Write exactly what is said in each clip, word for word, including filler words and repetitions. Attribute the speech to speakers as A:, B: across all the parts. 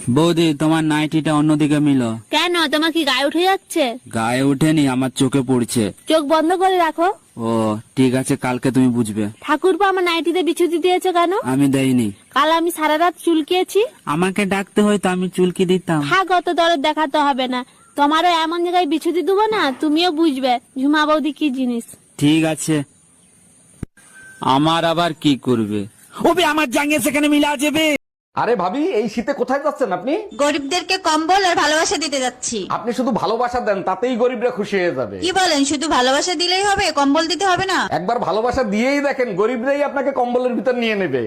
A: বৌদি তোমার নাইটিটা অন্যদিকে মিলো।
B: কেন, তোমার কি গায়ে উঠে যাচ্ছে?
A: গায়ে উঠেনি, আমার চোখে পড়ছে।
B: চোখ বন্ধ করে রাখো।
A: ও ঠিক আছে, কালকে তুমি বুঝবে।
B: ঠাকুরপো আমার নাইটিতে বিছুতি দিয়েছো কেন?
A: আমি দেইনি।
B: কাল আমি সারা রাত চুলকিয়েছি।
A: আমাকে ডাকতে হয়তো আমি চুলকি দিতাম।
B: থাক, অত দরদ দেখাতে হবে না। তোমারও এমন জায়গায় বিছুতি দেবো না, তুমিও বুঝবে ঝুমা বৌদি কি জিনিস।
A: ঠিক আছে। আমার আবার কি করবে? ওবে আমার জাঙ্গে সেখানে মিলা যাবে।
C: আরে ভাবি, এই শীতে কোথায় যাচ্ছেন আপনি?
D: গরিবদেরকে কম্বল আর ভালোবাসা দিতে যাচ্ছি।
C: আপনি শুধু ভালোবাসা দেন, তাতেই গরিবরা খুশি হয়ে যাবে।
D: কি বলেন, শুধু ভালোবাসা দিলেই হবে, কম্বল দিতে হবে না?
C: একবার ভালোবাসা দিয়েই দেখেন, গরিবরাই আপনাকে কম্বলের ভিতর নিয়ে নেবে।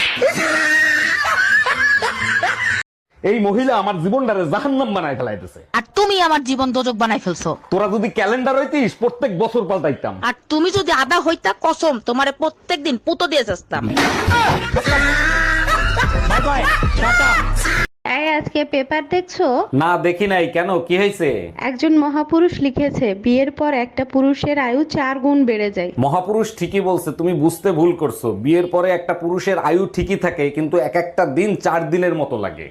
C: এই মহিলা আমার জীবনটারে জাহান্নাম বানায় ফেলাইতেছে।
E: আর তুমি আমার জীবন দোজক বানাই ফেলছো।
C: তোরা যদি ক্যালেন্ডার হইতিস, প্রত্যেক বছর পাল্টাইতাম।
E: আর তুমি যদি আদা হইতা, কসম তোমারে প্রত্যেকদিন পুতো দিয়ে যাস্তাম।
F: এই আজকে পেপার দেখছো?
C: না দেখি নাই, কেন কি হয়েছে?
F: একজন মহাপুরুষ লিখেছে বিয়ের পর একটা পুরুষের আয়ু চার গুণ বেড়ে যায়।
C: মহাপুরুষ ঠিকই বলছে, তুমি বুঝতে ভুল করছো। বিয়ের পরে একটা পুরুষের আয়ু ঠিকই থাকে, কিন্তু এক একটা দিন চার দিনের মতো লাগে।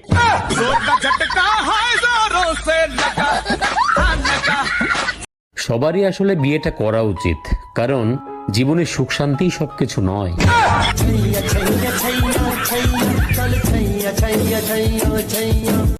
G: সবারই আসলে বিয়েটা করা উচিত, কারণ জীবনে সুখ শান্তি সবকিছু নয়।